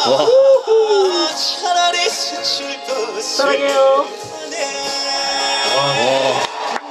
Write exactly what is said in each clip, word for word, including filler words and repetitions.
와. 사랑해요. 와.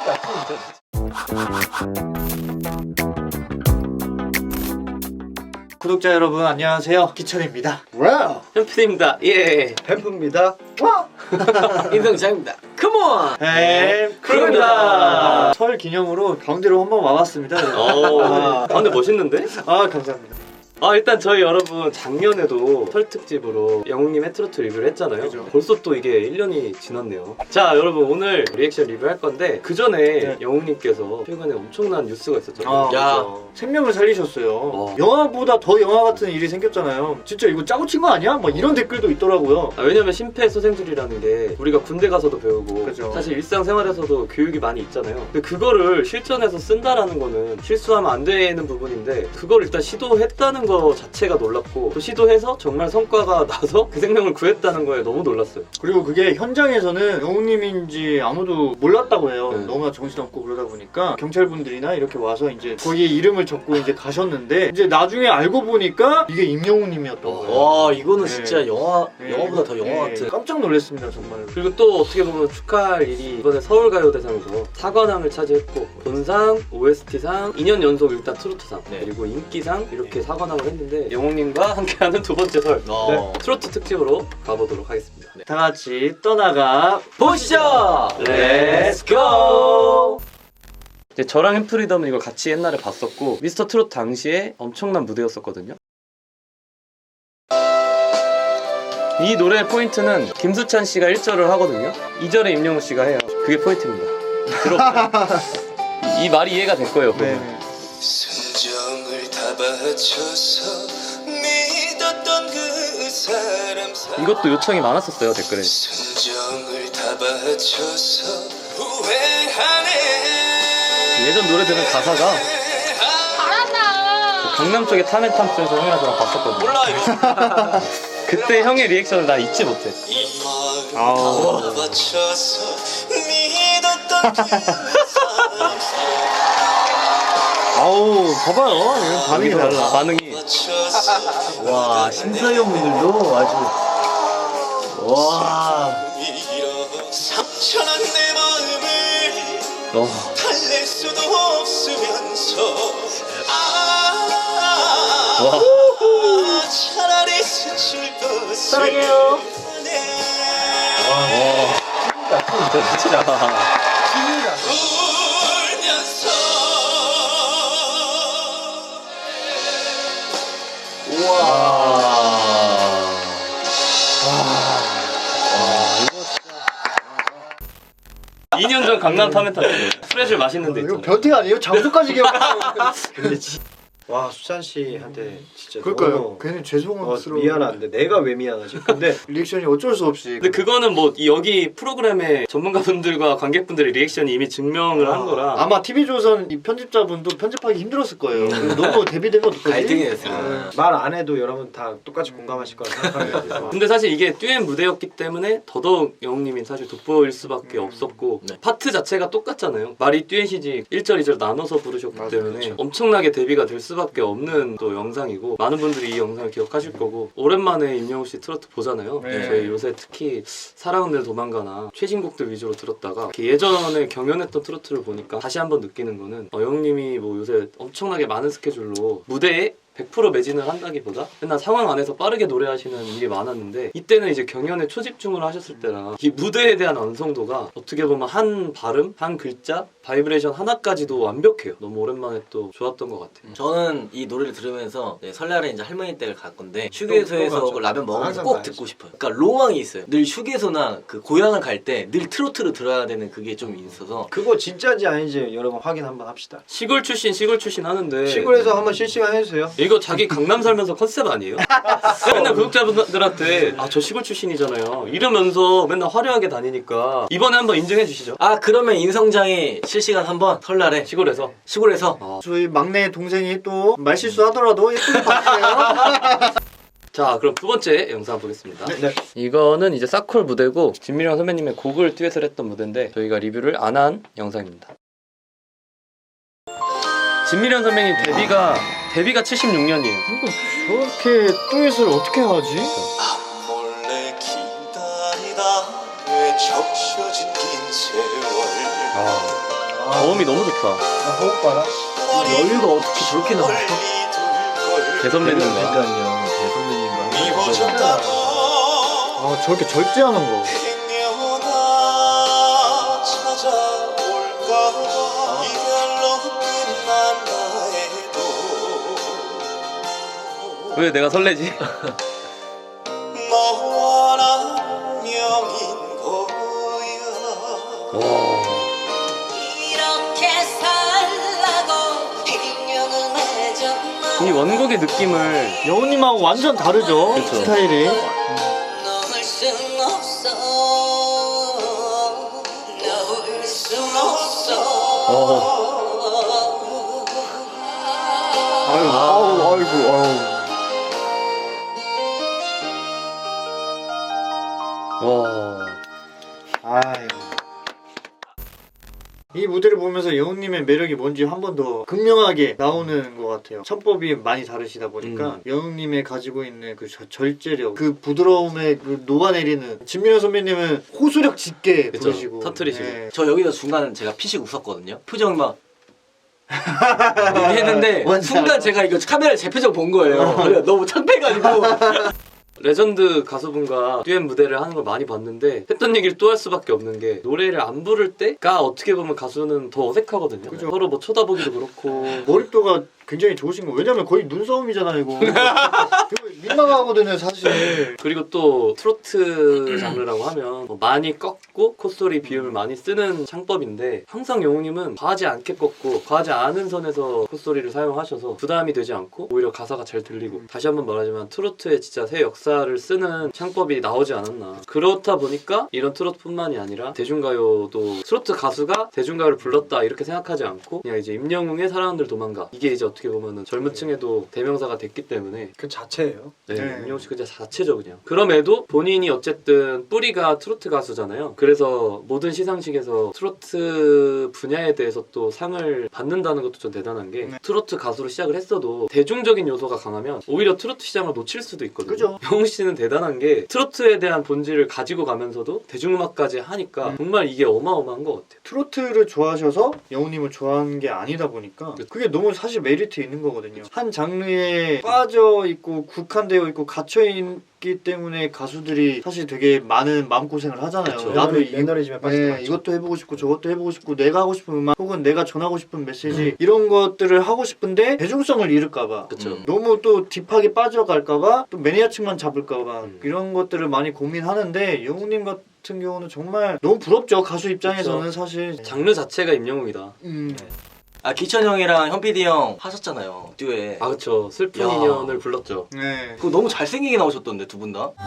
구독자 여러분 안녕하세요, 기철입니다. 와우. 현필입니다. 예. 햄프입니다. 와. 인성장입니다. 컴온. 햄프입니다. 설 기념으로 가운데로 한번 와봤습니다. 오. 가운데 멋있는데? 아 감사합니다. 아 일단 저희 여러분 작년에도 설 특집으로 영웅님 해트로트 리뷰를 했잖아요. 그죠. 벌써 또 이게 일 년이 지났네요. 자 여러분 오늘 리액션 리뷰할 건데 그 전에 네. 영웅님께서 최근에 엄청난 뉴스가 있었잖아요. 아, 야. 그죠. 생명을 살리셨어요. 어. 영화보다 더 영화 같은 일이 생겼잖아요. 진짜 이거 짜고 친 거 아니야? 막 이런 댓글도 있더라고요. 아, 왜냐면 심폐소생술이라는 게 우리가 군대 가서도 배우고 그죠. 사실 일상생활에서도 교육이 많이 있잖아요. 근데 그거를 실전에서 쓴다라는 거는 실수하면 안 되는 부분인데 그걸 일단 시도했다는 거 자체가 놀랍고 또 시도해서 정말 성과가 나서 그 생명을 구했다는 거에 너무 놀랐어요. 그리고 그게 현장에서는 영웅님인지 아무도 몰랐다고 해요. 네. 너무나 정신없고 그러다 보니까 경찰분들이나 이렇게 와서 이제 거기에 이름을 적고 이제 가셨는데 이제 나중에 알고 보니까 이게 임영웅님이었던 거예요. 와 이거는 네. 진짜 영화 네. 영화보다 더 영화 네. 같은. 깜짝 놀랐습니다 정말. 그리고 또 어떻게 보면 축하할 일이 이번에 서울가요대상에서 사관왕을 차지했고 본상, 오에스티상, 이 년 연속 일단 트로트상 네. 그리고 인기상 이렇게 사관왕을 했는데 영웅님과 함께하는 두 번째 설 어. 트로트 특집으로 가보도록 하겠습니다. 다 같이 떠나가 보시죠. Let's go! 이제 저랑 햄프리덤은 이걸 같이 옛날에 봤었고 미스터 트롯 당시에 엄청난 무대였었거든요. 이 노래의 포인트는 김수찬 씨가 일 절을 하거든요. 이 절에 임영웅 씨가 해요. 그게 포인트입니다. 들어보세요. 이 말이 이해가 될 거예요. 네. 순정을 다 바쳐서 믿었던 그 사람 이것도 요청이 많았었어요 댓글에. 순정을 다 바쳐서 후회하네. 예전 노래들은 가사가 잘한다. 강남 쪽에 타멘탐스에서 형이랑 저랑 봤었거든요. 몰라 이거. 그때 형의 리액션을 나 잊지 못해. 이 아우. 마음 다 바쳐서 믿었던 그 사람 아우 봐봐요. 이런 반응이 여기서 달라. 반응이. 바쳐서 와 심사위원분들도 아주 와. 상처난 내 마음을 어. 달랠 수도 없으면서 아 와. 차라리 스칠 것을 사랑해요. 와. 진짜 미치다. 울면서 우와. 이 년 전 강남 타멘탐스 프레쉬를 맛있는데 이거 있잖아요. 변태 아니에요? 장소까지 기억하고. 와 수찬 씨한테 진짜 그러니까요. 너무 괜히 어, 죄송스러워. 미안한데 내가 왜 미안하지? 근데 리액션이 어쩔 수 없이. 근데 그거는 뭐 여기 프로그램의 전문가분들과 관객분들의 리액션이 이미 증명을 한 거라. 아마 티비조선 이 편집자분도 편집하기 힘들었을 거예요. 너무 대비되면 어떡하지? 갈등이 됐어요. 말 안 해도 여러분 다 똑같이 공감하실 거라 생각합니다. 근데 사실 이게 듀엣 무대였기 때문에 더더욱 영웅님이 사실 돋보일 수밖에 없었고 네. 파트 자체가 똑같잖아요. 말이 듀엣이지 일 절, 이 절 나눠서 부르셨기 맞아, 때문에 그렇죠. 엄청나게 대비가 될 수밖에 없는 또 영상이고 많은 분들이 이 영상을 기억하실 거고 오랜만에 임영웅 씨 트로트 보잖아요. 네. 저희 요새 특히 사랑은 늘 도망가나 최신곡들 위주로 들었다가 이렇게 예전에 경연했던 트로트를 보니까 다시 한번 느끼는 거는 어, 영웅님이 뭐 요새 엄청나게 많은 스케줄로 무대에 백 퍼센트 매진을 한다기보다 맨날 상황 안에서 빠르게 노래하시는 일이 많았는데 이때는 이제 경연에 초집중을 하셨을 때라 이 무대에 대한 완성도가 어떻게 보면 한 발음, 한 글자, 바이브레이션 하나까지도 완벽해요. 너무 오랜만에 또 좋았던 것 같아요. 저는 이 노래를 들으면서 네, 설날에 이제 할머니 댁을 갈 건데 휴게소에서 또 그 라면 먹으면서 항상 꼭 가야지. 듣고 싶어요. 그러니까 로망이 있어요. 늘 휴게소나 그 고향을 갈 때 늘 트로트를 들어야 되는 그게 좀 있어서 그거 진짜인지 아닌지 여러분 확인 한번 합시다. 시골 출신 시골 출신 하는데 시골에서 한번 실시간 해주세요. 이거 자기 강남 살면서 컨셉 아니에요? 맨날 구독자분들한테 아 저 시골 출신이잖아요 이러면서 맨날 화려하게 다니니까 이번에 한번 인정해 주시죠. 아 그러면 인성장이 실시간 한번 설날에 시골에서 시골에서 어. 저희 막내 동생이 또 말실수하더라도 예쁘게 봐주세요. 자 그럼 두 번째 영상 보겠습니다. 네. 이거는 이제 사콜 무대고 진미령 선배님의 곡을 듀엣을 했던 무대인데 저희가 리뷰를 안 한 영상입니다. 진미령 선배님 데뷔가 데뷔가 칠십육 년이에요. 저렇게 듀엣을 어떻게 하지? 몰래 기다리다 왜 적셔진 긴 세월 아, 저음이 너무 좋다. 호흡 봐라. 여유가 어떻게 저렇게 나와? 대선배님과. 그러니까요. 대선배님과. 미워졌다고 아 저렇게 절제하는 거. 행여나 찾아올까봐 이별로 끝난다 해도 왜 내가 설레지? 너와 나 명인 거야 와. 이렇게 살라고 인연을 맺었나 이 원곡의 느낌을 여우님하고 완전 다르죠 그쵸. 스타일이. 놓을 순 없어 놓을 순 없어 어. 아유 아우 아이고 아우. 와. 아이고. 이 무대를 보면서 여우님의 매력이 뭔지 한 번 더 극명하게 나오는 것 같아요. 창법이 많이 다르시다 보니까 음. 여우님의 가지고 있는 그 저- 절제력, 그 부드러움에 그 녹아내리는 진민호 선배님은 호소력 짙게 그쵸. 부르시고 터트리시고. 네. 저 여기서 중간 제가 피식 웃었거든요. 표정이 막 이렇게 했는데 뭔지 순간 알아. 제가 이거 카메라 제 표정 본 거예요. 그래서 너무 창피해가지고 레전드 가수분과 듀엣 무대를 하는 걸 많이 봤는데 했던 얘기를 또 할 수밖에 없는 게 노래를 안 부를 때가 어떻게 보면 가수는 더 어색하거든요. 그죠. 서로 뭐 쳐다보기도 그렇고 몰입도가 굉장히 좋으신 거. 왜냐면 거의 눈싸움이잖아요 이거. 이거 민망하거든요 사실. 그리고 또 트로트 장르라고 하면 뭐 많이 꺾고 콧소리 비음을 많이 쓰는 창법인데 항상 영웅님은 과하지 않게 꺾고 과하지 않은 선에서 콧소리를 사용하셔서 부담이 되지 않고 오히려 가사가 잘 들리고 다시 한번 말하지만 트로트의 진짜 새 역사를 쓰는 창법이 나오지 않았나. 그렇다 보니까 이런 트로트뿐만이 아니라 대중가요도 트로트 가수가 대중가요를 불렀다 이렇게 생각하지 않고 그냥 이제 임영웅의 사랑들 도망가 이게 이제 어떻게 보면은 젊은 층에도 대명사가 됐기 때문에 그 자체예요. 네, 네. 임영웅 씨 그냥 자체죠 그냥. 그럼에도 본인이 어쨌든 뿌리가 트로트 가수잖아요. 그래서 모든 시상식에서 트로트 분야에 대해서 또 상을 받는다는 것도 좀 대단한 게 네. 트로트 가수로 시작을 했어도 대중적인 요소가 강하면 오히려 트로트 시장을 놓칠 수도 있거든요. 그죠. 영웅 씨는 대단한 게 트로트에 대한 본질을 가지고 가면서도 대중음악까지 하니까 음. 정말 이게 어마어마한 것 같아요. 트로트를 좋아하셔서 여우님을 좋아하는 게 아니다 보니까 그게 너무 사실 메리트 있는 거거든요. 한 장르에 빠져 있고 국한되어 있고 갇혀 있기 때문에 가수들이 사실 되게 많은 마음고생을 하잖아요. 그쵸. 나도 이, 매너리즘에 빠질 때 네, 많죠. 이것도 해보고 싶고 저것도 해보고 싶고 내가 하고 싶은 음악 혹은 내가 전하고 싶은 메시지 이런 것들을 하고 싶은데 대중성을 잃을까봐 그렇죠. 음. 너무 또 딥하게 빠져갈까봐 또 매니아층만 잡을까봐 음. 이런 것들을 많이 고민하는데 영웅님 같은 경우는 정말 너무 부럽죠. 가수 입장에서는 사실. 장르 자체가 임영웅이다. 음. 아 기천 형이랑 현피디 형 하셨잖아요 듀엣. 아 그쵸. 슬픈 야. 인연을 불렀죠. 네. 그거 너무 잘생기게 나오셨던데 두 분 다.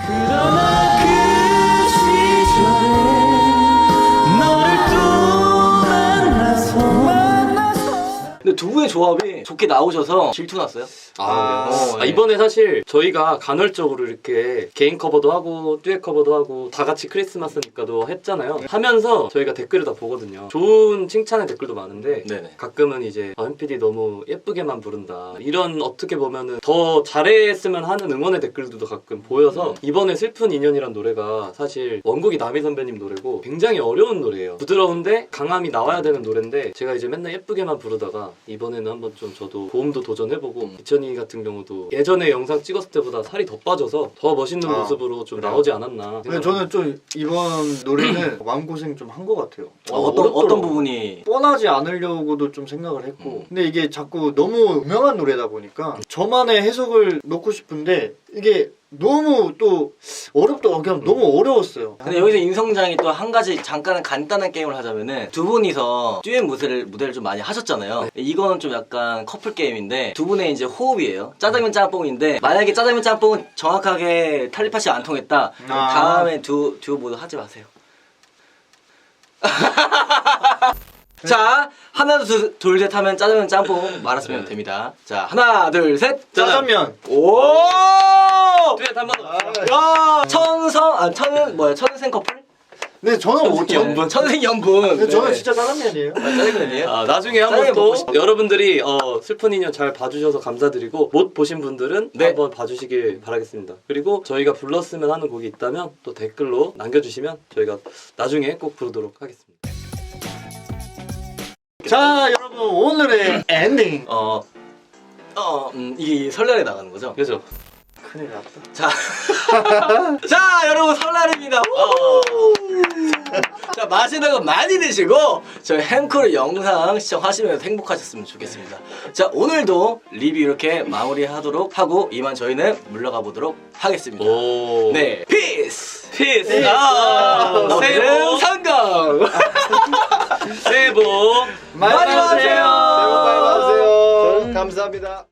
근데 두 분의 조합이 좋게 나오셔서 질투 났어요. 아, 어, 아, 예. 이번에 사실 저희가 간헐적으로 이렇게 개인 커버도 하고 듀엣 커버도 하고 다 같이 크리스마스니까도 했잖아요. 하면서 저희가 댓글을 다 보거든요. 좋은 칭찬의 댓글도 많은데 네네. 가끔은 이제 아, 현피디 너무 예쁘게만 부른다 이런 어떻게 보면은 더 잘했으면 하는 응원의 댓글도 가끔 보여서 음. 이번에 슬픈 인연이란 노래가 사실 원곡이 남희 선배님 노래고 굉장히 어려운 노래예요. 부드러운데 강함이 나와야 되는 노래인데 제가 이제 맨날 예쁘게만 부르다가 이번에는 한번 좀 저도 고음도 도전해보고 음. 기천이 같은 경우도 예전에 영상 찍었을 때보다 살이 더 빠져서 더 멋있는 아, 모습으로 좀 그래요? 나오지 않았나. 근데 저는 좀 이번 노래는 마음고생 좀 한 것 같아요. 어, 어떤 어렵더라고요. 어떤 부분이 뻔하지 않으려고도 좀 생각을 했고 음. 근데 이게 자꾸 너무 유명한 노래다 보니까 저만의 해석을 넣고 싶은데 이게 너무 또 어렵더라고요. 그냥 너무 어려웠어요. 근데 여기서 인성장이 또 한 가지 잠깐 간단한 게임을 하자면은 두 분이서 듀엣 무대를 무대를 좀 많이 하셨잖아요. 이거는 좀 약간 커플 게임인데 두 분의 이제 호흡이에요. 짜장면 짬뽕인데 만약에 짜장면 짬뽕은 정확하게 탈리파시 안 통했다. 그럼 아. 다음에 두 듀오 모두 하지 마세요. 자 하나 둘 셋 하면 짜장면 짬뽕 말았으면 됩니다. 자 하나 둘 셋 짜장면. 오! 듀엣 한번 더. 야 천성 아 천은 뭐야 천생 커플? 근데 저는 못 쳐. 연분. 천생연분. 근데 저는 네. 진짜 짜장면이에요. 아, 짜장면이에요? 아, 나중에 한번 짜장면 또 먹고 싶다. 여러분들이 어, 슬픈 인연 잘 봐주셔서 감사드리고 못 보신 분들은 네. 한번 봐주시길 바라겠습니다. 그리고 저희가 불렀으면 하는 곡이 있다면 또 댓글로 남겨주시면 저희가 나중에 꼭 부르도록 하겠습니다. 자 여러분 오늘의 엔딩. 어, 어, 음, 이게 설날에 나가는 거죠? 그죠? 큰일 났다. 자, 자 여러분 설날입니다. 우! 자 맛있는 거 많이 드시고 저희 햄코르 영상 시청하시면서 행복하셨으면 좋겠습니다. 자 오늘도 리뷰 이렇게 마무리하도록 하고 이만 저희는 물러가 보도록 하겠습니다. 오. 네, 피스. 피스. 아, 새해 오늘은 복, 성공. 새해 복 많이 많이 받으세요. 받으세요. 새해 복 많이 받으세요. 감사합니다.